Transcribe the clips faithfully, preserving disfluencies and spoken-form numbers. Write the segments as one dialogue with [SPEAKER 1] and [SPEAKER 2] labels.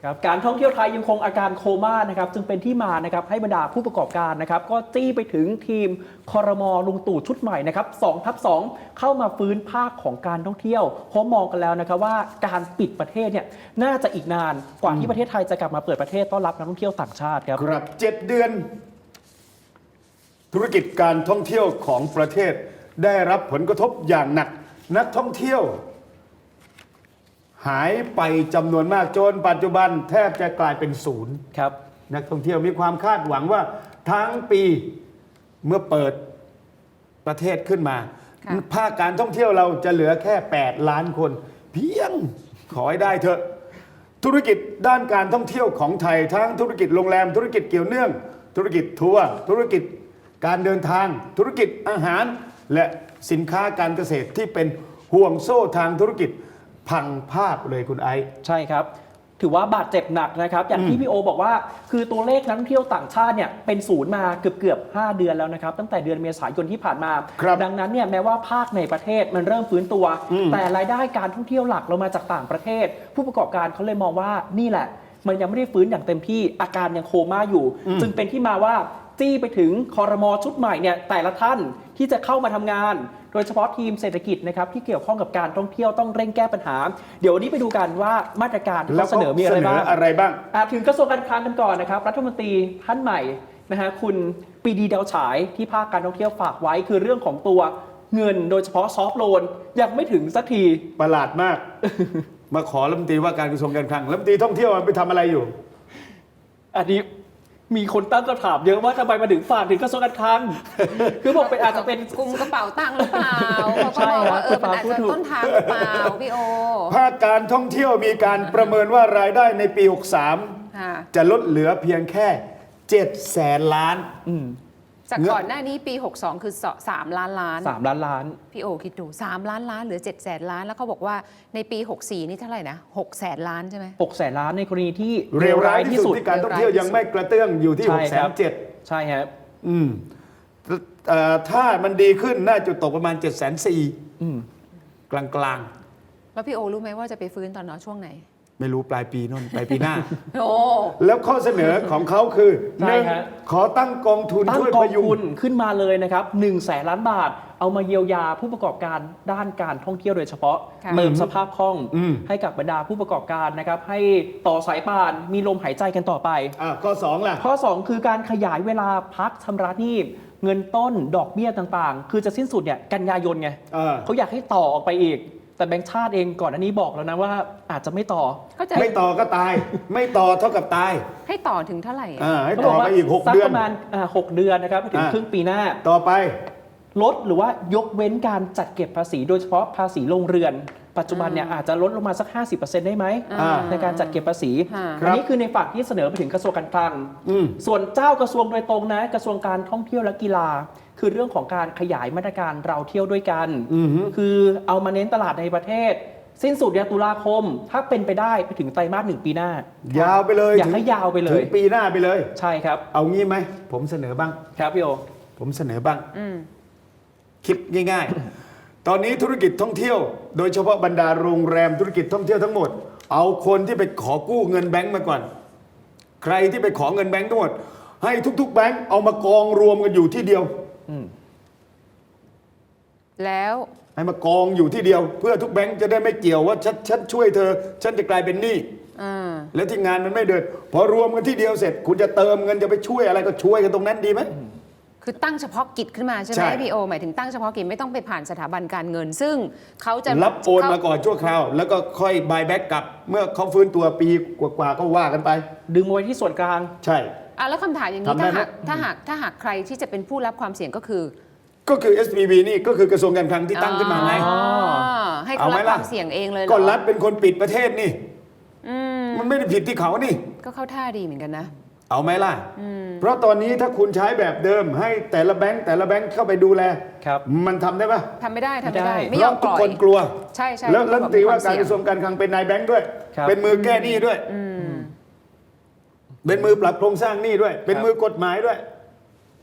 [SPEAKER 1] ครับการท่องเที่ยวไทยยังคงอาการโคม่านะครับจึงเป็นที่มานะครับให้บรรดาผู้ประกอบการนะครับก็จี้ไปถึงทีมครม.ลุงตู่ชุดใหม่นะครับสองทับสองเข้ามาฟื้นภาคของการท่องเที่ยวเพราะมองกันแล้วนะครับว่าการปิดประเทศเนี่ยน่าจะอีกนานกว่าที่ประเทศไทยจะกลับมาเปิดประเทศต้อนรับนักท่องเที่ยวต่างชาติครับ
[SPEAKER 2] ครับเจ็ดเดือนธุรกิจการท่องเที่ยวของประเทศได้รับผลกระทบอย่างหนักนักท่องเที่ยวหายไปจำนวนมากจนปัจจุบันแทบจะกลายเป็นศูนย์
[SPEAKER 1] ครับ
[SPEAKER 2] นักท่องเที่ยวมีความคาดหวังว่าทั้งปีเมื่อเปิดประเทศขึ้นมาภาคการท่องเที่ยวเราจะเหลือแค่แปดล้านคนเพียงขอให้ได้เถอะธุรกิจด้านการท่องเที่ยวของไทยทั้งธุรกิจโรงแรมธุรกิจเกี่ยวเนื่องธุรกิจทัวร์ธุรกิจการเดินทางธุรกิจอาหารและสินค้าการเกษตรที่เป็นห่วงโซ่ทางธุรกิจพังภาพเลยคุณไอซ์
[SPEAKER 1] ใช่ครับถือว่าบาดเจ็บหนักนะครับอย่างที่พี่โอบอกว่าคือตัวเลขนักท่องเที่ยวต่างชาติเนี่ยเป็นศูนย์มาเกือบเกือบห้าเดือนแล้วนะครับตั้งแต่เดือนเมษายนที่ผ่านมาดังนั้นเนี่ยแม้ว่าภาคในประเทศมันเริ่มฟื้นตัวแต่รายได้การท่องเที่ยวหลักเรามาจากต่างประเทศผู้ประกอบการเขาเลยมองว่านี่แหละมันยังไม่ได้ฟื้นอย่างเต็มที่อาการยังโคม่าอยู่จึงเป็นที่มาว่าจี้ไปถึงครม.ชุดใหม่เนี่ยแต่ละท่านที่จะเข้ามาทำงานโดยเฉพาะทีมเศรษฐกิจนะครับที่เกี่ยวข้องกับการท่องเที่ยวต้องเร่งแก้ปัญหาเดี๋ยววันนี้ไปดูกันว่ามาตรการที่เขาเสนอมีอะไรบ้าง
[SPEAKER 2] อะไรบ้าง
[SPEAKER 1] ถึงกระทรวงการคลังกันก่อนนะครับรัฐมนตรีท่านใหม่นะฮะคุณปรีดีดาวฉายที่ภาคการท่องเที่ยวฝากไว้คือเรื่องของตัวเงินโดยเฉพาะซอฟท์โลนยังไม่ถึงสักที
[SPEAKER 2] ประหลาดมาก มาขอรัฐมนตรีว่าการกระทรวงการคลังรัฐมนตรีท่องเที่ยวไปทำอะไรอยู่
[SPEAKER 1] อันนี้มีคนตั้งคำถามเยอะว่าทำไมมาถึงฝากถึงกระทรวงการคลังคือบอกเป็นอาจจะเป็น
[SPEAKER 3] กลุ่มกระเป๋าตังค์หรือเปล่าเขาก็บอกว่าเออมันอาจจะต้นทางหรือเปล่าพี่โอ
[SPEAKER 2] ภาคการท่องเที่ยวมีการประเมินว่ารายได้ในปีหกสามจะลดเหลือเพียงแค่เจ็ดแสนล้าน
[SPEAKER 3] จากก่อนหน้านี้ปีหกสองคือสามล้านล้าน
[SPEAKER 1] สามล้านล้าน
[SPEAKER 3] พี่โอคิดดูสามล้านล้านเหลือเจ็ดแสนล้านแล้วเขาบอกว่าในปีหกสี่นี่เท่าไหร่นะหกแสนล้านใช่ไหม
[SPEAKER 1] หกแสนล้านในกรณีที่
[SPEAKER 2] เร็วร้ายที่สุดที่การท่องเที่ยวยังไม่กระเตื้องอยู่ที่หกแสนเจ็ด
[SPEAKER 1] ใช่ครับ
[SPEAKER 2] อืมถ้ามันดีขึ้นน่าจะตกประมาณเจ็ดแสนสี่กลางกลาง
[SPEAKER 3] แล้วพี่โอรู้ไหมว่าจะไปฟื้นตอนนช่วงไหน
[SPEAKER 2] ไม่รู้ปลายปีนู่นปลายปีหน้า
[SPEAKER 3] โอ้
[SPEAKER 2] แล้วข้อเสนอของเขาคือหนึ่งขอตั้งกองทุนช่วยพยุง
[SPEAKER 1] ขึ้นมาเลยนะครับหนึ่งแสนล้านบาทเอามาเยียวยาผู้ประกอบการด้านการท่องเที่ยวโดยเฉพาะเติมสภาพคล่องให้กับบรรดาผู้ประกอบการนะครับให้ต่อสายป่านมีลมหายใจกันต่อไป
[SPEAKER 2] ข้อสองล่ะ
[SPEAKER 1] ข้อสองคือการขยายเวลาพักชำระหนี้เงินต้นดอกเบี้ยต่างๆคือจะสิ้นสุดเนี่ยกันยายนไงเขาอยากให้ต่อออกไปอีกแต่แบงค์ชาติเองก่อนอันนี้บอกแล้วนะว่าอาจจะไม่ต่อ
[SPEAKER 2] ไม่ต่อก็ตายไม่ต่อเท่ากับตาย
[SPEAKER 3] ให้ต่อถึงเท่าไหร่
[SPEAKER 2] ให้ต่อไปอีกหกเดือน
[SPEAKER 1] ประมาณหกเดือนนะครับถึงครึ่งปีหน้า
[SPEAKER 2] ต่อไป
[SPEAKER 1] ลดหรือว่ายกเว้นการจัดเก็บภาษีโดยเฉพาะภาษีโรงเรือนปัจจุบันเนี่ยอาจจะลดลงมาสัก ห้าสิบเปอร์เซ็นต์ ได้ไหมในการจัดเก็บภาษีอันนี้คือในฝั่งที่เสนอไปถึงกระทรวงการคลังส่วนเจ้ากระทรวงโดยตรงนะกระทรวงการท่องเที่ยวและกีฬาคือเรื่องของการขยายมาตรการเราเที่ยวด้วยกันคือเอามาเน้นตลาดในประเทศสิ้นสุดเนี่ยตุลาคมถ้าเป็นไปได้ไปถึงไตรมาสหนึ่งปีหน้าย
[SPEAKER 2] าวไปเลย
[SPEAKER 1] อยากให้ยาวไปเลย
[SPEAKER 2] ถึงปีหน้าไปเลย
[SPEAKER 1] ใช่ครับ
[SPEAKER 2] เอางี้ไหมผมเสนอบ้าง
[SPEAKER 1] ครับพี่โอ
[SPEAKER 2] ผมเสนอบ้างคิดง่ายๆตอนนี้ธุรกิจท่องเที่ยวโดยเฉพาะบรรดาโรงแรมธุรกิจท่องเที่ยวทั้งหมดเอาคนที่ไปขอกู้เงินแบงก์มาก่อนใครที่ไปขอเงินแบงก์ทั้งหมดให้ทุกๆแบงก์เอามากองรวมกันอยู่ที่เดียว
[SPEAKER 3] แล้ว
[SPEAKER 2] ให้มากองอยู่ที่เดียวเพื่อทุกแบงก์จะได้ไม่เกี่ยวว่าฉันฉันช่วยเธอฉันจะกลายเป็นหนี้แล้วที่งานมันไม่เดินพอรวมกันที่เดียวเสร็จคุณจะเติมเงินจะไปช่วยอะไรก็ช่วยกันตรงนั้นดีไหม
[SPEAKER 3] คือตั้งเฉพาะกิจขึ้นมาใช่ไหมพี่โอหมายถึงตั้งเฉพาะกิจไม่ต้องไปผ่านสถาบันการเงินซึ่งเขาจะ
[SPEAKER 2] รับโอนมาก่อนชั่วคราวแล้วก็ค่อยบายแบ็กกลับเมื่อเขาฟื้นตัวปีกว่าๆก็ว่ากันไป
[SPEAKER 1] ดึงไว้ที่ส่วนกลาง
[SPEAKER 2] ใช่
[SPEAKER 3] อ่ะแล้วคำถามอย่างนี้ถ้าหากถ้าหากถ้าหากใครที่จะเป็นผู้รับความเสี่ยงก็คือ
[SPEAKER 2] ก็คือ เอส พี บี นี่ก็คือกระทรวงการคลังที่ตั้งขึ้นมาไง
[SPEAKER 3] ให้เขารับความเสี่ยงเองเลย
[SPEAKER 2] ก็รัฐเป็นคนปิดประเทศนี่มันไม่ได้ผิดที่เขานี่
[SPEAKER 3] ก็เข้าท่าดีเหมือนกันนะ
[SPEAKER 2] เอาไหมล่ะเพราะตอนนี้ถ้าคุณใช้แบบเดิมให้แต่ละแบงค์แต่ละแบงค์เข้าไปดูแลมันทำได้ปะ
[SPEAKER 3] ทำไม่ได้ทำไม่ได้ไม่
[SPEAKER 2] ยอมปล่อยทุกคนกลัว
[SPEAKER 3] ใช่ใช่
[SPEAKER 2] แล้วรัฐมนตรีว่าการกระทรวงการคลังเป็นนายแบงค์ด้วยเป็นมือแก้หนี้ด้วยเป็นมือปรับโครงสร้างหนี้ด้วยเป็นมือกฎหมายด้วย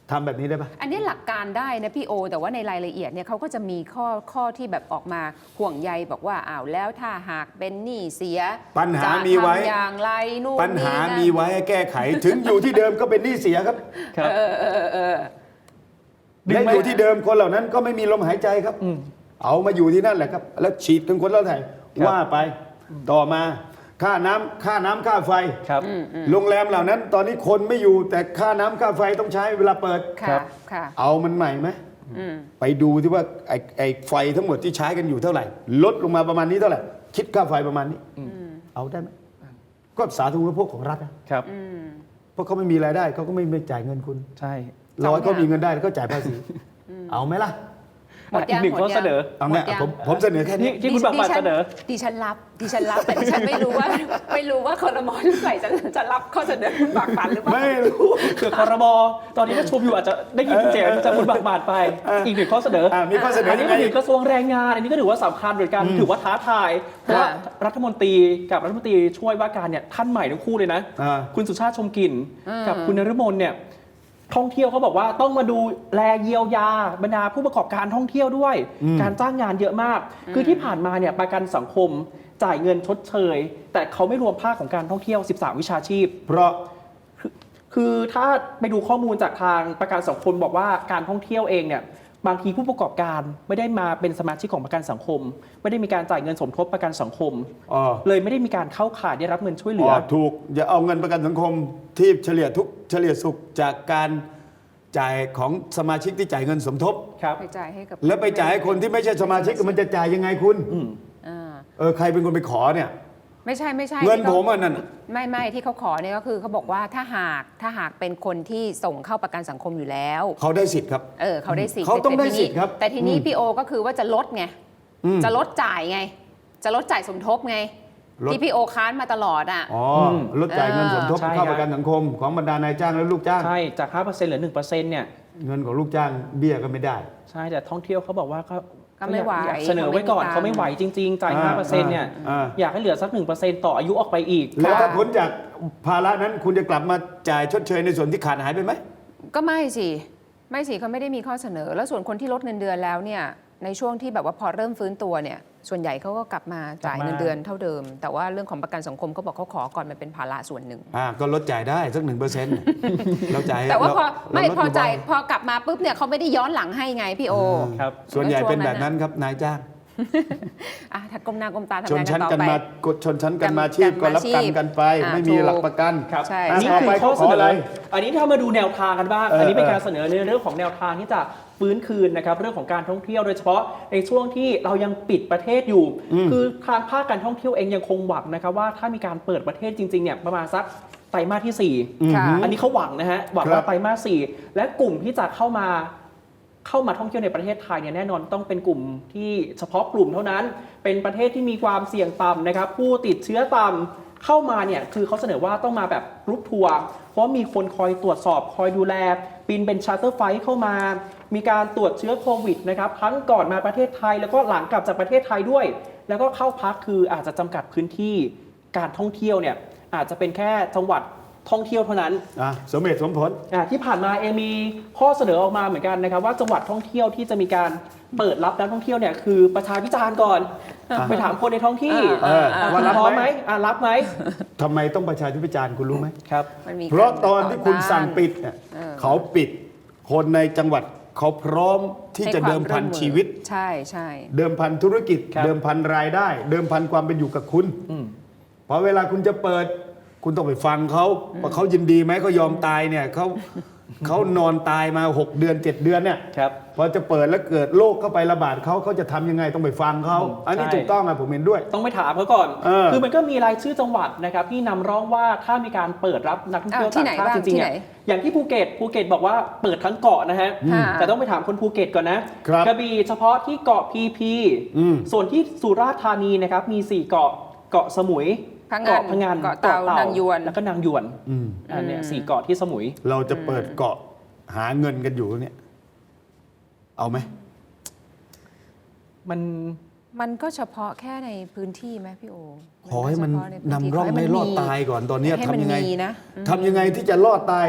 [SPEAKER 2] ทำแบบนี้ได้ปะ
[SPEAKER 3] อันนี้หลักการได้นะพี่โอ แต่ว่าในรายละเอียดเนี่ยเขาก็จะมีข้อข้อที่แบบออกมาห่วงใยบอกว่าอ้าวแล้วถ้าหากเป็นหนี้เสีย
[SPEAKER 2] ปัญหา
[SPEAKER 3] จะ
[SPEAKER 2] มีไว้
[SPEAKER 3] ทำอย่างไรนู่น
[SPEAKER 2] ปัญหา
[SPEAKER 3] นี่นั่น
[SPEAKER 2] มีไว้ให้แก้ไข ถึงอยู่ที่เดิมก็เป็นหนี้เสียครับ
[SPEAKER 1] ครับ
[SPEAKER 3] เออเออเออ
[SPEAKER 1] ดึง
[SPEAKER 2] และ
[SPEAKER 1] ไหม
[SPEAKER 2] อยู่ที่เดิมคนเหล่านั้นก็ไม่มีลมหายใจครับ
[SPEAKER 1] อืม
[SPEAKER 2] เอามาอยู่ที่นั่นแหละครับ แล้วฉีดถึงคนละไทย
[SPEAKER 1] ครับ
[SPEAKER 2] ว่าไปต่อมาค่าน้ำค่าน้ำค่าไฟ
[SPEAKER 1] ครับ
[SPEAKER 2] โรงแรมเหล่านั้น ตอนนี้คนไม่อยู่แต่ค่าน้ำค่าไฟต้องใช้เวลาเปิด
[SPEAKER 1] ครั
[SPEAKER 3] ค่ะ
[SPEAKER 1] บ
[SPEAKER 3] ค่ะ
[SPEAKER 2] เอามันใหม่ไหม
[SPEAKER 3] อืม
[SPEAKER 2] ไปดูที่ว่าไอ้ไอ้ไฟทั้งหมดที่ใช้กันอยู่เท่าไหร่ ลดลงมาประมาณนี้เท่าไหร่ คิดค่าไฟประมาณนี้ เอาได้ไหมก็สาธารณูปโภคของรัฐนะครับ
[SPEAKER 3] อืม
[SPEAKER 2] เพราะเขาไม่มีรายได้เขาก็ไม่ไม่จ่ายเงินคุณ
[SPEAKER 1] ใช่
[SPEAKER 2] ร้อย
[SPEAKER 3] สองอย่าง
[SPEAKER 2] เขามีเงินได้ก็จ่ายภาษีเอาไหมล่ะ
[SPEAKER 3] หมด
[SPEAKER 1] อี
[SPEAKER 3] ยั
[SPEAKER 1] ก
[SPEAKER 3] ง
[SPEAKER 1] หนึ่ง
[SPEAKER 3] หมด
[SPEAKER 1] ข้อ
[SPEAKER 3] ยัง
[SPEAKER 1] เสนอ
[SPEAKER 2] เอาเนี่ย
[SPEAKER 3] หมดยัง
[SPEAKER 2] ผมผมเสนอแค่
[SPEAKER 1] ที่
[SPEAKER 2] นี้
[SPEAKER 1] ที่คุณบากบัตร
[SPEAKER 3] ดิฉั
[SPEAKER 1] เสนอ
[SPEAKER 3] ดิฉันรับดิฉันรับ แต่ดิฉันไม่รู้ว่า ไม่รู้ว่าคอรมอรุ่นใหม่จะจะรับข้อเสนอคุณบากบัตรหรือเปล่า
[SPEAKER 2] ไม่รู้
[SPEAKER 1] คือคอรมอตอนนี้ถ้าชมอยู่อาจจะได้ยินเสียงจากคุณบากบาทไป อีกหนึ่งข้อเสนออ่
[SPEAKER 2] ามีข้อเสนอ
[SPEAKER 1] อันนี้
[SPEAKER 2] ยังไง
[SPEAKER 1] มาถึงกระทรวงแรงงาน อันนี้ก็ถือว่าสำคัญเหมือนกัน ถือว่าท้าทาย เพราะว่ารัฐมนตรีกับรัฐมนตรีช่วยว่าการเนี่ยท่านใหม่ทั้งคู่เลยนะ
[SPEAKER 2] อ่า
[SPEAKER 1] คุณสุชาติชมกลิ่น
[SPEAKER 3] อืม
[SPEAKER 1] กับคุณนฤมลเนี่ยท่องเที่ยวเขาบอกว่าต้องมาดูแลเยียวยาบรรดาผู้ประกอบการท่องเที่ยวด้วย การจ้างงานเยอะมาก คือที่ผ่านมาเนี่ยประกันสังคมจ่ายเงินชดเชย แต่เขาไม่รวมภาคของการท่องเที่ยว สิบสาม วิชาชีพ
[SPEAKER 2] เพราะ
[SPEAKER 1] คือถ้าไปดูข้อมูลจากทางประกันสังคมบอกว่าการท่องเที่ยวเองเนี่ยบางทีผู้ประกอบการไม่ได้มาเป็นสมาชิกของประกันสังคม ไม่ได้มีการจ่ายเงินสมทบประกันสังคม
[SPEAKER 2] อ๋อ
[SPEAKER 1] เลยไม่ได้มีการเข้าข่ายได้รับเงินช่วยเหลื
[SPEAKER 2] อ๋
[SPEAKER 1] อ
[SPEAKER 2] อถูกอย่าเอาเงินประกันสังคมที่เฉลี่ยทุกเฉลี่ยสุขจากการจ่ายของสมาชิกที่จ่ายเงินสมทบ
[SPEAKER 1] ครับ
[SPEAKER 3] ไปจ่ายให้กับ
[SPEAKER 2] แล้วไปจ่ายให้คนที่ไม่ใช่สมาชิกมันจะจ่ายยังไงคุณ
[SPEAKER 3] อ่า
[SPEAKER 2] เออใครเป็นคนไปขอเนี่ย
[SPEAKER 3] ไม่ใช่ไม่ใช่
[SPEAKER 2] เงิน
[SPEAKER 3] ที่ขา
[SPEAKER 2] ผมอ่ะนั่น
[SPEAKER 3] ไม่ไม่ที่เขาขอเนี่ยก็คือเขาบอกว่าถ้าหากถ้าหากเป็นคนที่ส่งเข้าประกันสังคมอยู่แล้ว
[SPEAKER 2] เขาได้สิทธิ์ครับ
[SPEAKER 3] เออเขาได้สิทธิ์
[SPEAKER 2] เขาต้องได้
[SPEAKER 3] แทีนี้
[SPEAKER 2] สิทธิ์ครับ
[SPEAKER 3] แต่ทีนี้
[SPEAKER 2] อืม
[SPEAKER 3] พี่โอก็คือว่าจะลดไง
[SPEAKER 2] อืม
[SPEAKER 3] จะลดจ่ายไง จะลดจ่ายสมทบไง
[SPEAKER 2] ลด
[SPEAKER 3] ที่พี่โอค้านมาตลอดอ่ะ
[SPEAKER 2] อ๋อ
[SPEAKER 1] ม
[SPEAKER 2] ลดจ่ายเงินสมทบ
[SPEAKER 1] ใช่
[SPEAKER 2] เข้า
[SPEAKER 1] ครับ
[SPEAKER 2] ประกันสังคมของบรรดานายจ้างและลูกจ้าง
[SPEAKER 1] ใช่จาก ห้าเปอร์เซ็นต์ เหลือ หนึ่งเปอร์เซ็นต์ เนี่ย
[SPEAKER 2] เงินของลูกจ้างเบี้ยก็ไม่ได้
[SPEAKER 1] ใช่แต่ท่องเที่ยวเขาบอกว่าก็
[SPEAKER 3] ก็ไม่ไหว
[SPEAKER 1] อยากเสนอไว้ก่อน
[SPEAKER 3] เขาไม่มีตังค์
[SPEAKER 1] เขาไม่ไหวจริง ๆ จ่าย
[SPEAKER 2] อ่า
[SPEAKER 1] ห้าเปอร์เซ็นต์ เนี่ย
[SPEAKER 2] อ่า
[SPEAKER 1] อยากให้เหลือสัก หนึ่งเปอร์เซ็นต์ ต่ออายุออกไปอีก
[SPEAKER 2] แล้วถ้า
[SPEAKER 3] ค่ะ
[SPEAKER 2] พ้นจากภาระนั้นคุณจะกลับมาจ่ายชดเชยในส่วนที่ขาดหายไปไหม
[SPEAKER 3] ก็ไม่สิไม่สิเขาไม่ได้มีข้อเสนอ แล้วส่วนคนที่ลดเงินเดือนแล้วเนี่ยในช่วงที่แบบว่าพอเริ่มฟื้นตัวเนี่ยส่วนใหญ่เขาก็กลับมาจ่าย
[SPEAKER 1] กลับมา
[SPEAKER 3] เงินเดือนเท่าเดิม แต่ว่าเรื่องของประกันสังคมเขาบอกเขาขอก่อนมันเป็นภาระส่วนหนึ่ง
[SPEAKER 2] อ่าก็ลดจ่ายได้สักหนึ่งเปอร์เซ็นต์เราจ่าย
[SPEAKER 3] แต่ว่าพอ
[SPEAKER 2] เร
[SPEAKER 3] ไม่
[SPEAKER 2] เรลด
[SPEAKER 3] พอจ่าย
[SPEAKER 2] ยู่บ่
[SPEAKER 3] พอกลับมาปุ๊บเนี่ยเขาไม่ได้ย้อนหลังให้ไงพี่โอ
[SPEAKER 1] ครับ
[SPEAKER 2] ส่วนใหญ่เป็นแบบนั้นครับนายจ้าง
[SPEAKER 3] อ่ะถ้าก้มหน้าก้มตาทำ
[SPEAKER 2] ชน
[SPEAKER 3] งานกั
[SPEAKER 2] ชั้น
[SPEAKER 3] นต่อ
[SPEAKER 2] กัน
[SPEAKER 3] ไป
[SPEAKER 2] มากดชนชั้นกันมา
[SPEAKER 3] กัน
[SPEAKER 2] ชีพก็รับกรรม
[SPEAKER 3] กันมาชีพ
[SPEAKER 2] กันไป
[SPEAKER 3] อ่า
[SPEAKER 2] ไม่มี
[SPEAKER 3] ถูก
[SPEAKER 2] หลักประกัน
[SPEAKER 1] ครับ
[SPEAKER 3] ใช่
[SPEAKER 1] นี่
[SPEAKER 3] ใช่
[SPEAKER 1] คือ
[SPEAKER 2] ไป
[SPEAKER 1] ข้อเส
[SPEAKER 2] ขอ
[SPEAKER 1] น
[SPEAKER 2] อะไร
[SPEAKER 1] อ อันนี้ถ้ามาดูแนวทางกันบ้าง
[SPEAKER 2] เอออั
[SPEAKER 1] อันนี้เป็น
[SPEAKER 2] เออ
[SPEAKER 1] การเสนอในเรื่องของแนวทางที่จะฟื้นคืนนะครับเรื่องของการท่องเที่ยวโดยเฉพาะในช่วงที่เรายังปิดประเทศอยู่ คือทางภาคการท่องเที่ยวเองยังคงหวังนะครับว่าถ้ามีการเปิดประเทศจริงๆเนี่ยประมาณสักไตรมาสที่สี่
[SPEAKER 3] ค่ะ
[SPEAKER 1] อันนี้เขาหวังนะฮะหวัง
[SPEAKER 2] ครั
[SPEAKER 1] ว่า
[SPEAKER 2] บ
[SPEAKER 1] ไตรมาสสี่และกลุ่มที่จะเข้ามาเข้ามาท่องเที่ยวในประเทศไทยเนี่ยแน่นอนต้องเป็นกลุ่มที่เฉพาะกลุ่มเท่านั้น เป็นประเทศที่มีความเสี่ยงต่ำนะครับผู้ติดเชื้อต่ำเข้ามาเนี่ยคือเขาเสนอว่าต้องมาแบบกรุ๊ปทัวร์เพราะมีคนคอยตรวจสอบคอยดูแลบินเป็นชาร์เตอร์ไฟล์เข้ามา มีการตรวจเชื้อโควิดนะครับทั้งก่อนมาประเทศไทยแล้วก็หลังกลับจากประเทศไทยด้วย แล้วก็เข้าพักคืออาจจะจำกัดพื้นที่การท่องเที่ยวเนี่ยอาจจะเป็นแค่จังหวัดท่องเที่ยวเท่านั้น
[SPEAKER 2] อ่ะสมเหตุสมผล
[SPEAKER 1] อ่าที่ผ่านมาเองมีข้อเสนอออกมาเหมือนกันนะครับว่าจังหวัดท่องเที่ยวที่จะมีการเปิดรับนักท่องเที่ยวเนี่ยคือประชาพิจารณ์ก่อน ไปถามคนในท้องที่
[SPEAKER 2] เออ
[SPEAKER 1] อ่า
[SPEAKER 2] ว่า
[SPEAKER 1] คุณ
[SPEAKER 2] รับ
[SPEAKER 1] พร้อม
[SPEAKER 2] ไห
[SPEAKER 1] ไห
[SPEAKER 2] ม
[SPEAKER 1] มอ่ารับไหม
[SPEAKER 2] ทำไมต้องประชาธิปไตยคุณรู้ไหม
[SPEAKER 1] ครับ
[SPEAKER 3] มันมี
[SPEAKER 2] เพราะตอนที่คุณสั่งปิดเนี่ย
[SPEAKER 3] เออ
[SPEAKER 2] เขาปิดคนในจังหวัดเขาพร้อมที่จะ
[SPEAKER 3] ให้ความ
[SPEAKER 2] เดิมพัน
[SPEAKER 3] ร่วมมือ
[SPEAKER 2] ชีวิต
[SPEAKER 3] ใช่ใช่
[SPEAKER 2] เดิมพันธุรกิจ
[SPEAKER 1] ครับ
[SPEAKER 2] เดิมพันรายได้ เดิมพันความเป็นอยู่กับคุณ
[SPEAKER 1] อืม
[SPEAKER 2] พอเวลาคุณจะเปิด คุณต้องไปฟังเขาว่าเขายินดีไหมเขายอมตายเนี่ยเขาเขานอนตายมาหกเดือนเจ็ดเดือนเนี่ย
[SPEAKER 1] ครับ
[SPEAKER 2] พอจะเปิดแล้วเกิดโรคเข้าไประบาดเขาเขาจะทำยังไงต้องไปฟังเขา
[SPEAKER 1] อืม
[SPEAKER 2] อันนี้
[SPEAKER 1] ใช่
[SPEAKER 2] ถูกต้องนะผมเห็นด้วย
[SPEAKER 1] ต้องไปถามเขาก่อน
[SPEAKER 2] เออ
[SPEAKER 1] คือมันก็มีรายชื่อจังหวัดนะครับที่นำร่องว่าถ้ามีการเปิดรับนักท่องเที่ยว
[SPEAKER 3] อ่าที่
[SPEAKER 1] ต่าง
[SPEAKER 3] ไหน
[SPEAKER 1] ชาติ
[SPEAKER 3] บ้าง
[SPEAKER 1] จริงๆ
[SPEAKER 3] ที่
[SPEAKER 1] เนี่ย
[SPEAKER 3] ไหน
[SPEAKER 1] อย่างที่ภูเก็ตภูเก็ตบอกว่าเปิดทั้งเกาะนะฮะ
[SPEAKER 3] ค่ะ
[SPEAKER 1] แต่ต้องไปถามคนภูเก็ตก่อนนะครับ กระบี่เฉพาะที่เกาะพีพี
[SPEAKER 2] อืม
[SPEAKER 1] ส่วนที่สุราษฎร์ธานีนะครับมีสี่เกาะเกาะสมุย
[SPEAKER 3] พังงาน
[SPEAKER 1] เกาะพังงาน
[SPEAKER 3] เกาะเต่านางยวน
[SPEAKER 1] แล้วก็นางยวน
[SPEAKER 2] อืม
[SPEAKER 1] อันเนี้ยสี่เกาะที่สมุย
[SPEAKER 2] เราจะเปิดเกาะหาเงินกันอยู่เนี่ย เอาไหม
[SPEAKER 1] มัน
[SPEAKER 3] มันก็เฉพาะแค่ในพื้นที่ไหมพี่โอ
[SPEAKER 2] ขอให้มัน
[SPEAKER 3] เฉพาะใพื้
[SPEAKER 2] นำร่อง
[SPEAKER 3] ข
[SPEAKER 2] ให้
[SPEAKER 3] มัน
[SPEAKER 2] รอด
[SPEAKER 3] มี
[SPEAKER 2] ตายก่อนตอนเนี้ย
[SPEAKER 3] ให้
[SPEAKER 2] ทำ
[SPEAKER 3] มัน
[SPEAKER 2] ยังไง
[SPEAKER 3] มีนะ
[SPEAKER 2] ทำยังไงที่จะรอดตาย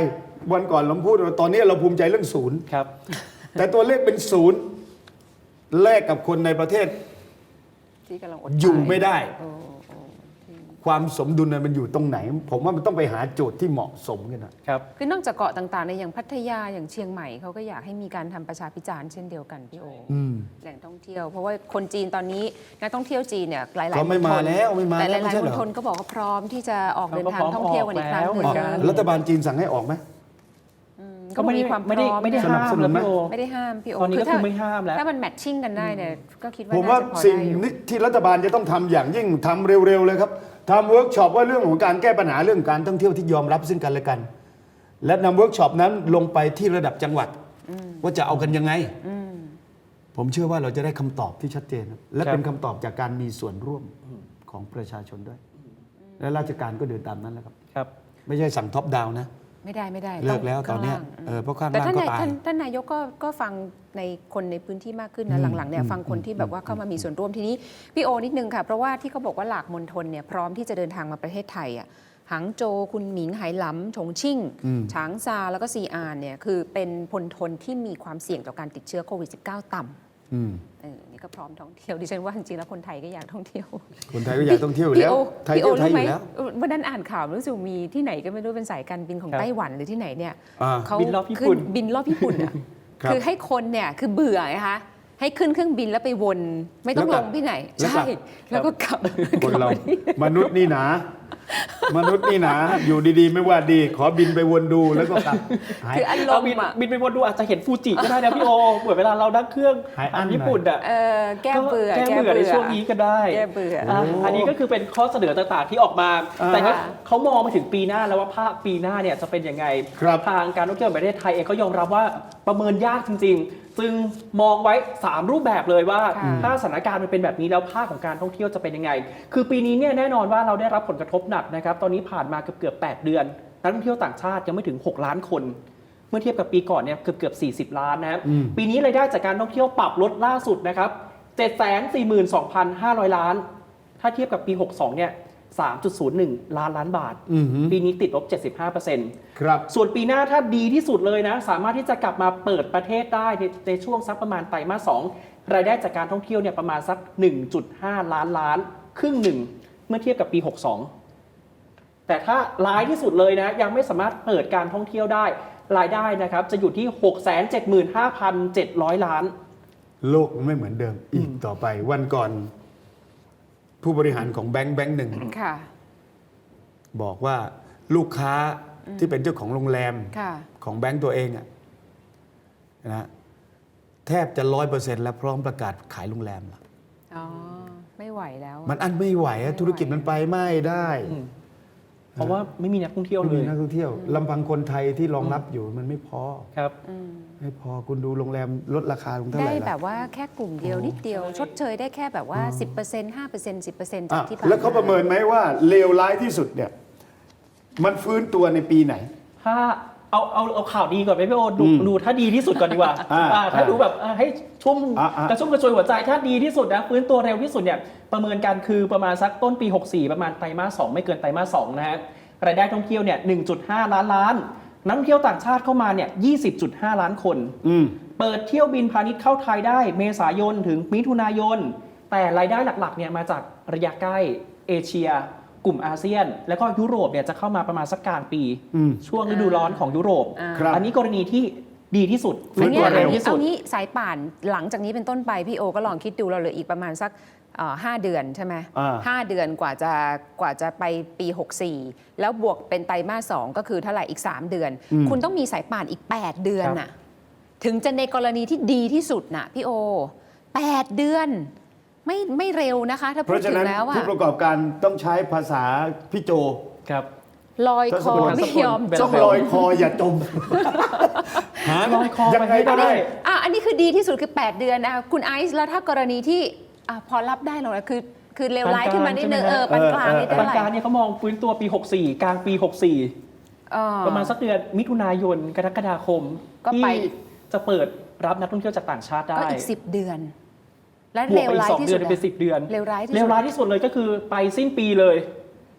[SPEAKER 2] วันก่อนเราพูดว่าตอนนี้เราภูมิใจเรื่องศูนย์
[SPEAKER 1] ครับ
[SPEAKER 2] แต่ตัวเลขเป็นศูนย์แลกกับคนในประเทศ
[SPEAKER 3] ที่กำลังอด
[SPEAKER 2] อยู่
[SPEAKER 3] ตา
[SPEAKER 2] ไม่ได้
[SPEAKER 3] โอ้โอ้
[SPEAKER 2] ความสมดุลนั้นมันอยู่ตรงไหน ผมว่ามันต้องไปหาโจทย์ที่เหมาะสมกันนะครับ
[SPEAKER 3] คือนอกจากเกาะต่างๆในอย่างพัทยาอย่างเชียงใหม่เขาก็อยากให้มีการทำประชาพิจารณ์เช่นเดียวกันพี่โอ
[SPEAKER 2] อืม
[SPEAKER 3] แหล่งท่องเที่ยว เพราะว่าคนจีนตอนนี้นักท่องเที่ยวจีนเนี่ยหลายๆ
[SPEAKER 2] เขาไม่
[SPEAKER 3] ณฑ
[SPEAKER 2] มาแล้วไม่มา
[SPEAKER 3] แต่ห
[SPEAKER 2] แล้วไม่
[SPEAKER 3] ลาย
[SPEAKER 2] ใช่
[SPEAKER 3] ๆ
[SPEAKER 2] เห
[SPEAKER 3] ม
[SPEAKER 2] ร
[SPEAKER 3] ณ
[SPEAKER 2] อ
[SPEAKER 3] ฑลก็บอกว่าพร้อมที่จะออกเดินทาง
[SPEAKER 1] เขาก็พร้อม
[SPEAKER 3] ท่องเที่ยวกันอีกครั้งห
[SPEAKER 1] ออก
[SPEAKER 3] นึ่
[SPEAKER 1] แล้ว
[SPEAKER 3] ง
[SPEAKER 1] เหมือนกัน
[SPEAKER 2] รัฐบาลจีนสั่งให้ออกไหม
[SPEAKER 3] ก็ไม่มีความพ
[SPEAKER 1] ไม่ได้
[SPEAKER 3] ร้อม
[SPEAKER 1] ไม่ได้
[SPEAKER 3] นะ
[SPEAKER 1] ห้าม
[SPEAKER 2] สนับสนุนไหม
[SPEAKER 1] แล้วพี่โอ
[SPEAKER 3] ไม่ได้ห้ามพี่โอ
[SPEAKER 1] ตอนนี้ก็
[SPEAKER 3] ถ้า
[SPEAKER 1] คือไม่ห้ามแล้ว
[SPEAKER 3] ถ้ามันแมทชิ่งกันได้เนี่ยก็คิดว่า
[SPEAKER 2] ผมว่า
[SPEAKER 3] น่จะพอ
[SPEAKER 2] สิ่ง
[SPEAKER 3] ได้อยู่
[SPEAKER 2] ที่รัฐบาลจะต้องทำอย่างยิ่งทำเร็วๆเลยครับทำเวิร์กช็อปว่าเรื่องของการแก้ปัญหาเรื่องการท่องเที่ยวที่ยอมรับซึ่งกันและกัน และนำเวิร์กช็อปนั้นลงไปที่ระดับจังหวัด ว่าจะเอากันยังไง ผมเชื่อว่าเราจะได้คำตอบที่ชัดเจนครับและ
[SPEAKER 1] ครับ
[SPEAKER 2] เป็นคำตอบจากการมีส่วนร่วมของประชาชนด้วย และราชการก็เดินตามนั้นแหละครับ
[SPEAKER 1] ครับ
[SPEAKER 2] ไม่ใช่สั่งท็อปดาวน์นะ
[SPEAKER 3] ไม่ได้ไม่ได้
[SPEAKER 2] เลิกแล้ว
[SPEAKER 3] ง
[SPEAKER 2] ตอนเนี้ย
[SPEAKER 3] ข้างล่าง
[SPEAKER 2] เออเพราะข้าง
[SPEAKER 3] แต่
[SPEAKER 2] ล่าง
[SPEAKER 3] ท่าน
[SPEAKER 2] ก็
[SPEAKER 3] นาย
[SPEAKER 2] ตาย
[SPEAKER 3] ท่านท่านนายกก็ก็ฟังในคนในพื้นที่มากขึ้นนะหลังๆเนี่ยฟังคนที่แบบว่าเข้ามามีส่วนร่วมทีนี้พี่โอนิดนึงค่ะเพราะว่าที่เขาบอกว่าหลากมณฑลเนี่ยพร้อมที่จะเดินทางมาประเทศไทยอ่ะหางโจวคุณหมิงไหหลำฉงชิ่ง
[SPEAKER 2] อืม
[SPEAKER 3] ฉางซาแล้วก็ซีอานเนี่ยคือเป็นพลทนที่มีความเสี่ยงต่อการติดเชื้อโควิด สิบเก้า ต่ำ
[SPEAKER 2] อืม
[SPEAKER 3] เออนี่ก็พร้อมท่องเที่ยวดิฉันว่าจริงๆแล้วคนไทยก็อยากท่องเที่ยว
[SPEAKER 2] คนไทยก็อยากท่องเที่ยวอยู่แล้ว
[SPEAKER 3] พี่โอ
[SPEAKER 2] ไทย
[SPEAKER 3] พี่โอ
[SPEAKER 2] เที่ยวไทย
[SPEAKER 3] รู้
[SPEAKER 2] อ
[SPEAKER 3] ไหม
[SPEAKER 2] ยู่แล้ว
[SPEAKER 3] วันนั้นอ่านข่าวรู้สึกมีที่ไหนก็ไม่รู้เป็นสายการบินของ
[SPEAKER 1] ครับ
[SPEAKER 3] ไต้หวันหรือที่ไหนเนี่ย
[SPEAKER 2] อ่า
[SPEAKER 3] เขา
[SPEAKER 1] บินรอบญี่ปุ่น
[SPEAKER 3] ขึ้บินรอบญี่ปุ่นอ่ะ
[SPEAKER 2] ครับ
[SPEAKER 3] คือให้คนเนี่ยคือเบื่อไงคะให้ขึ้นเครื่องบินแล้วไปวนไม่ต้อง
[SPEAKER 2] แล้ว
[SPEAKER 3] ล
[SPEAKER 2] กลับ
[SPEAKER 3] งที่ไหน
[SPEAKER 2] แล้วกลั
[SPEAKER 3] ใช่
[SPEAKER 2] บ
[SPEAKER 3] แล้วก็กลับ
[SPEAKER 2] คนเรา
[SPEAKER 3] กลับมที่
[SPEAKER 2] มนุษย์นี่หนา มนุษย์นี่หนา อยู่ดีๆ ไม่ว่าดี ขอบินไปวนดูแล้วก็กลับหาย
[SPEAKER 3] คืออาร
[SPEAKER 1] เอา
[SPEAKER 3] ม
[SPEAKER 1] บิน
[SPEAKER 3] ณ์อ่ะ
[SPEAKER 1] บินไปวนดูอาจจะเห็นฟูจิก็ได้นะพี่โอเหมือนเวลาเรานั่งเครื่อง
[SPEAKER 2] หายอั้น
[SPEAKER 1] ญี่ปุ่นอ่ะ
[SPEAKER 3] เออแก้เบื่อ
[SPEAKER 1] แก้เบื่อในช่วงนี้ก็ได้
[SPEAKER 3] แก้เบื่อ
[SPEAKER 1] อ่ะอันนี้ก็คือเป็นข้อเสนอต่างๆที่ออกมา
[SPEAKER 2] อ่า
[SPEAKER 1] แต่เนี่ยเขามองมาถึงปีหน้าแล้วว่าภาคปีหน้าเนี่ยจะเป็นยังไง
[SPEAKER 2] ครับ
[SPEAKER 1] ทางการท่องเที่ยวแห่งประเทศไทยเองก็ยอมรับว่าประเมินยากจริงๆ ซึ่งมองไว้ สาม รูปแบบเลยว่า
[SPEAKER 3] ค่ะ
[SPEAKER 1] ถ้าสถานการณ์มันเป็นแบบนี้แล้วภาคของการท่องเที่ยวจะเป็นยังไง คือปีนี้เนี่ยแน่นอนว่าเราได้รับผลกระทบหนักนะครับตอนนี้ผ่านมาเกือบเกือบแปดเดือนนักท่องเที่ยวต่างชาติยังไม่ถึงหกล้านคน เมื่อเทียบกับปีก่อนเนี่ยเกือบเกือบสี่สิบล้านนะครับ
[SPEAKER 2] อืม
[SPEAKER 1] ปีนี้รายได้จากการท่องเที่ยวปรับลดล่าสุดนะครับ เจ็ดแสนสี่หมื่นสองพันห้าร้อย ล้าน ถ้าเทียบกับปี หกสิบสอง เนี่ย สามจุดศูนย์หนึ่ง ล้านล้านบาท
[SPEAKER 2] อือหือ
[SPEAKER 1] ปีนี้ติดลบ เจ็ดสิบห้าเปอร์เซ็นต์
[SPEAKER 2] ครับ
[SPEAKER 1] ส่วนปีหน้าถ้าดีที่สุดเลยนะ สามารถที่จะกลับมาเปิดประเทศได้ในในช่วงสักประมาณไตรมาสสองรายได้จากการท่องเที่ยวเนี่ยประมาณสัก หนึ่งจุดห้า ล้านล้าน ครึ่งหนึ่ง เมื่อเทียบกับปี หกสิบสอง แต่ถ้าร้ายที่สุดเลยนะยังไม่สามารถเปิดการท่องเที่ยวได้รายได้นะครับจะอยู่ที่ หกแสนเจ็ดหมื่นห้าพันเจ็ดร้อย ล้าน
[SPEAKER 2] โลกมันไม่เหมือนเดิมอีกต่อไป วันก่อน ผู้บริหารของแบงค์แบงค์หนึ่ง
[SPEAKER 3] ค่ะ
[SPEAKER 2] บอกว่าลูกค้าที่เป็นเจ้าของโรงแรม
[SPEAKER 3] ค่ะ
[SPEAKER 2] ของแบงค์ตัวเองอะนะแทบจะร้อยเปอร์เซ็นต์แล้วพร้อมประกาศขายโรงแรมละ
[SPEAKER 3] อ๋อไม่ไหวแล้ว
[SPEAKER 2] มันอันไม่ไหวอะ
[SPEAKER 3] ไม่ไหว
[SPEAKER 2] ธุรกิจมันไปไม่ได้
[SPEAKER 1] อืม เพราะว่าไม่มีนักท่องเที่ยว
[SPEAKER 2] ไม่
[SPEAKER 1] เล
[SPEAKER 2] มี
[SPEAKER 1] ย
[SPEAKER 2] นักท่องเที่ยวลำพังคนไทยที่รองรับอยู่มันไม่พอ
[SPEAKER 1] ครับ
[SPEAKER 3] อืม
[SPEAKER 2] ไม่พอคุณดูโรงแรมลดราคาลงเท่าไห
[SPEAKER 3] ได้
[SPEAKER 2] ร่
[SPEAKER 3] แบ
[SPEAKER 2] ละ
[SPEAKER 3] บว่าแค่กลุ่มเดียวนิดเดียว ชดเชยได้แค่แบบว่า สิบเปอร์เซ็นต์ ห้าเปอร์เซ็นต์ สิบเปอร์เซ็นต์จาก
[SPEAKER 2] อ่ะ
[SPEAKER 3] ที่ผ่าน
[SPEAKER 2] แล้วเขาประเมินไหมว่าเลวร้ายที่สุดเนี่ย มันฟื้นตัวในปีไหน
[SPEAKER 1] ถ้าเอาเอาเอาข่าวดีก่อนไหมพี่โอดู
[SPEAKER 2] อืม
[SPEAKER 1] ดูถ้าดีที่สุดก่อนดีกว่า
[SPEAKER 2] อ่า
[SPEAKER 1] อ่าถ้า
[SPEAKER 2] อ่า
[SPEAKER 1] ดูแบบอ่าให้ชุ่ม
[SPEAKER 2] อ่าอ่าก
[SPEAKER 1] ระชุ่มกระชวยหัวใจถ้าดีที่สุดนะฟื้นตัวเร็วที่สุดเนี่ยประเมินการคือประมาณสักต้นปี หกสิบสี่ ประมาณไตรมาสสองไม่เกินไตรมาสสองนะฮะรายได้ท่องเที่ยวเนี่ย หนึ่งจุดห้า ล้านล้านนักท่องเที่ยวต่างชาติเข้ามาเนี่ย ยี่สิบจุดห้า ล้านคน
[SPEAKER 2] อืม
[SPEAKER 1] เปิดเที่ยวบินพาณิชย์เข้าไทยได้เมษายนถึงมิถุนายน แต่รายได้หลักๆเนี่ยมาจากระยะใกล้เอเชีย กลุ่มอาเซียน แล้วก็ยุโรปเนี่ยจะเข้ามาประมาณสักกลางปี
[SPEAKER 2] อืม
[SPEAKER 1] ช่วงฤดูร้อนของยุโรป
[SPEAKER 3] อ่า
[SPEAKER 2] ครับ
[SPEAKER 1] อันนี้กรณีที่ดีที่สุด
[SPEAKER 2] ฟื้
[SPEAKER 3] อัน
[SPEAKER 2] น
[SPEAKER 3] เนี้
[SPEAKER 2] ตั
[SPEAKER 3] ยว
[SPEAKER 2] เร็
[SPEAKER 3] อัน
[SPEAKER 2] ว
[SPEAKER 3] นี้เอานี้สายป่านหลังจากนี้เป็นต้นไปพี่โอก็ลองคิดดูเราเหลืออีกประมาณสักเอ่อห้าเดือนใช่ไหม
[SPEAKER 2] อ่า
[SPEAKER 3] ห้าเดือนกว่าจะกว่าจะไปปี หกสิบสี่ แล้วบวกเป็นไตรมาสสองก็คือเท่าไหร่อีก สาม เดือน
[SPEAKER 2] อืม
[SPEAKER 3] คุณต้องมีสายป่านอีก แปด เดือนน่ะถึงจะในกรณีที่ดีที่สุดน่ะพี่โอ แปด เดือน ไม่ไม่เร็วนะคะ ถ้า
[SPEAKER 2] เพ
[SPEAKER 3] พูด
[SPEAKER 2] ราะฉะ
[SPEAKER 3] ถึง
[SPEAKER 2] นั้น
[SPEAKER 3] แล้วอะ
[SPEAKER 2] ผู้ประกอบการต้องใช้ภาษาพี่โจ
[SPEAKER 1] ครับ
[SPEAKER 3] ลอยคอ
[SPEAKER 2] ทศพล
[SPEAKER 3] ไม่ยอม
[SPEAKER 1] เป็น
[SPEAKER 3] จ
[SPEAKER 2] ต้อ
[SPEAKER 3] ม
[SPEAKER 2] งลอยคออย่าจม หา
[SPEAKER 1] ลอยคอ
[SPEAKER 2] ยัง
[SPEAKER 1] ไป
[SPEAKER 2] ไง
[SPEAKER 1] ให้
[SPEAKER 2] ก็
[SPEAKER 1] ได้
[SPEAKER 2] ได้
[SPEAKER 3] อ่ะอันนี้คือดีที่สุดคือ แปด เดือนนะคุณไอซ์แล้วถ้ากรณีที่อ่ะพอรับได้หรอกนะคือ คือเลวร้ายขึ้นมานิดนึง
[SPEAKER 1] ปานกลาง
[SPEAKER 3] เออปานกลางนี่
[SPEAKER 2] เออ
[SPEAKER 3] เท่า
[SPEAKER 1] ปาน
[SPEAKER 3] ไหร่
[SPEAKER 1] กลางเนี่ยเขามองฟื้นตัวปี หกสิบสี่ กลางปี หกสิบสี่
[SPEAKER 3] เออ
[SPEAKER 1] ประมาณสักเดือนมิถุนายนกรกฎาคม
[SPEAKER 3] ก็ไป
[SPEAKER 1] ที่จะเปิดรับนักท่องเที่ยวจากต่างชาติได้
[SPEAKER 3] ก็อีกสิบเดือน และ
[SPEAKER 1] บว
[SPEAKER 3] เล
[SPEAKER 1] ก
[SPEAKER 3] ว
[SPEAKER 1] ไปอี
[SPEAKER 3] ร้าก ย
[SPEAKER 1] สอง
[SPEAKER 3] ที่
[SPEAKER 1] เดื
[SPEAKER 3] สุ
[SPEAKER 1] อน
[SPEAKER 3] ด
[SPEAKER 1] เป็นสิบเดือน
[SPEAKER 3] เลวร้ายที่สุด
[SPEAKER 1] เลวร้ายที่สุดเลยก็คือไปสิ้นปีเลย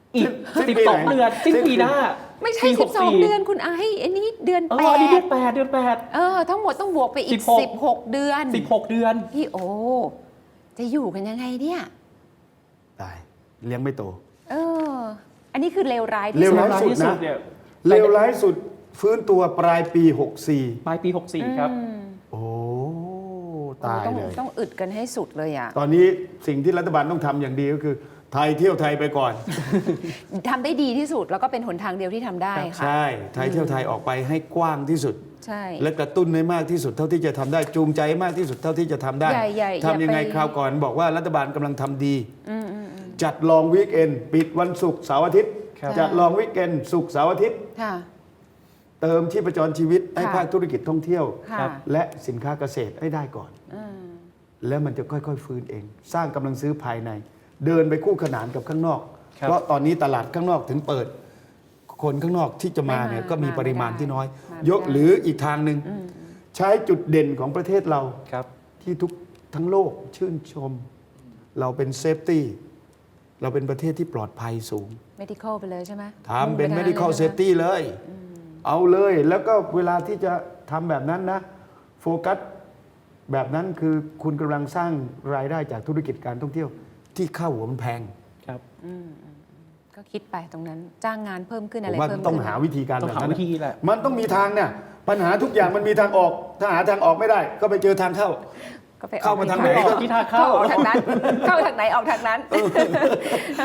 [SPEAKER 1] อีก
[SPEAKER 2] สิ้น
[SPEAKER 1] สิบ
[SPEAKER 2] ปี
[SPEAKER 1] สอง
[SPEAKER 2] ไหน
[SPEAKER 1] เดือนสิ้น
[SPEAKER 2] สิ้น
[SPEAKER 1] ปีหน้า
[SPEAKER 3] ไม่ใช่
[SPEAKER 1] ปีห
[SPEAKER 3] สิ
[SPEAKER 1] ก
[SPEAKER 3] บสองเดือนคุณไอ้อันนี้เดือน
[SPEAKER 1] เอ
[SPEAKER 3] แป
[SPEAKER 1] ออันนี้เดือ
[SPEAKER 3] ด
[SPEAKER 1] นแปดเดือนแปด
[SPEAKER 3] เออทั้งหมดต้องบวกไปอีก
[SPEAKER 1] สิบหก
[SPEAKER 3] สิบหกเดือน
[SPEAKER 1] สิบหกเดือน
[SPEAKER 3] พี่โอ จะอยู่กันยังไงเนี่ย
[SPEAKER 2] ตายเลี้ยงไม่โต
[SPEAKER 3] เออ อันนี้คือเลวร้ายที่
[SPEAKER 2] เลว
[SPEAKER 3] สุด
[SPEAKER 2] ร้ายสุด
[SPEAKER 1] ที่สุ
[SPEAKER 2] นะ
[SPEAKER 1] ดเนี่ย
[SPEAKER 2] เลวร้ายสุดฟื้นตัวปลายปีหกสี่
[SPEAKER 1] ปลายปีหกสี่ครับ
[SPEAKER 3] อืม
[SPEAKER 2] โอ้
[SPEAKER 3] โอ้
[SPEAKER 2] ตาย
[SPEAKER 3] ต้อง
[SPEAKER 2] เลย
[SPEAKER 3] ต้องอึดกันให้สุดเลยอ่ะ
[SPEAKER 2] ตอนนี้สิ่งที่รัฐบาลต้องทำอย่างดีก็คือ ไทยเที่ยวไทยไปก่อน
[SPEAKER 3] ทำได้ดีที่สุดแล้วก็เป็นหนทางเดียวที่ทำได้ค่ะ
[SPEAKER 2] ใช่ไทยเที่ยวไทยออกไปให้กว้างที่สุด
[SPEAKER 3] ใช่
[SPEAKER 2] และกระตุ้นให้มากที่สุดเท่าที่จะทำได้จูงใจให้มากที่สุดเท่าที่จะทำได้
[SPEAKER 3] อย่าอย่าอย่า
[SPEAKER 2] ทำยังไง
[SPEAKER 3] ไป
[SPEAKER 2] คราวก่อนบอกว่ารัฐบาลกำลังทำดี
[SPEAKER 3] อืมอืมอืม
[SPEAKER 2] จัดลองวีคเอนปิดวันศุกร์เสาร์อาทิตย์
[SPEAKER 1] ครับ
[SPEAKER 2] จัดลองวีคเอนศุกร์เสาร์อาทิตย์
[SPEAKER 3] ค่ะ
[SPEAKER 2] เติมชีพจรชีวิตให้
[SPEAKER 3] ค่ะ
[SPEAKER 2] ภาคธุรกิจท่องเที่ยว
[SPEAKER 3] ค่ะ
[SPEAKER 2] และสินค้าเกษตรให้ได้ก่อน
[SPEAKER 3] อืม
[SPEAKER 2] แล้วมันจะค่อยๆ ฟื้นเอง สร้างกำลังซื้อภายใน เดินไปคู่ขนานกับข้างนอก
[SPEAKER 1] ครับ
[SPEAKER 2] เพราะตอนนี้ตลาดข้างนอกถึงเปิด คนข้างนอกที่จะมาเนี่ยก็มีปริมาณที่น้อย ยกหรืออีกทางหนึ่งใช้จุดเด่นของประเทศเรา
[SPEAKER 1] ครับ
[SPEAKER 2] ที่ทุกทั้งโลกชื่นชม เราเป็นเซฟตี้เราเป็นประเทศที่ปลอดภัยสูง
[SPEAKER 3] medical ไปเลยใช่ไหม
[SPEAKER 2] ทำเป็น
[SPEAKER 3] มุ่งไทาง
[SPEAKER 2] medical
[SPEAKER 3] ลยใช่ไหม
[SPEAKER 2] safety เลย เอาเลย แล้วก็เวลาที่จะทำแบบนั้นนะ โฟกัสแบบนั้นคือคุณกำลังสร้างรายได้จากธุรกิจการท่องเที่ยว ที่ค่าหัวมันแพง
[SPEAKER 1] ครับ
[SPEAKER 3] ก็คิดไปตรงนั้นจ้างงานเพิ่มขึ้น
[SPEAKER 2] ผ
[SPEAKER 3] อะไร
[SPEAKER 2] มว่า
[SPEAKER 3] เพิ่ม
[SPEAKER 2] ต้อง
[SPEAKER 3] ขึ้น
[SPEAKER 2] หาวิธีการ
[SPEAKER 1] ต้อ
[SPEAKER 2] แบ
[SPEAKER 1] ง
[SPEAKER 2] บ
[SPEAKER 1] หา
[SPEAKER 2] นั้น
[SPEAKER 1] วิธีแหละ
[SPEAKER 2] มันต้องมีทางเนี่ยปัญหาทุกอย่างมันมีทางออก ถ้าหาทางออกไม่ได้ ก็ไปเจอทางเข้า
[SPEAKER 3] ก็ไปออก
[SPEAKER 2] เข้ามาทางไหน
[SPEAKER 3] ที่
[SPEAKER 1] ที่ทางเข้า
[SPEAKER 3] เข้าออกทางนั้น เข้าทางไหนออกทางนั้น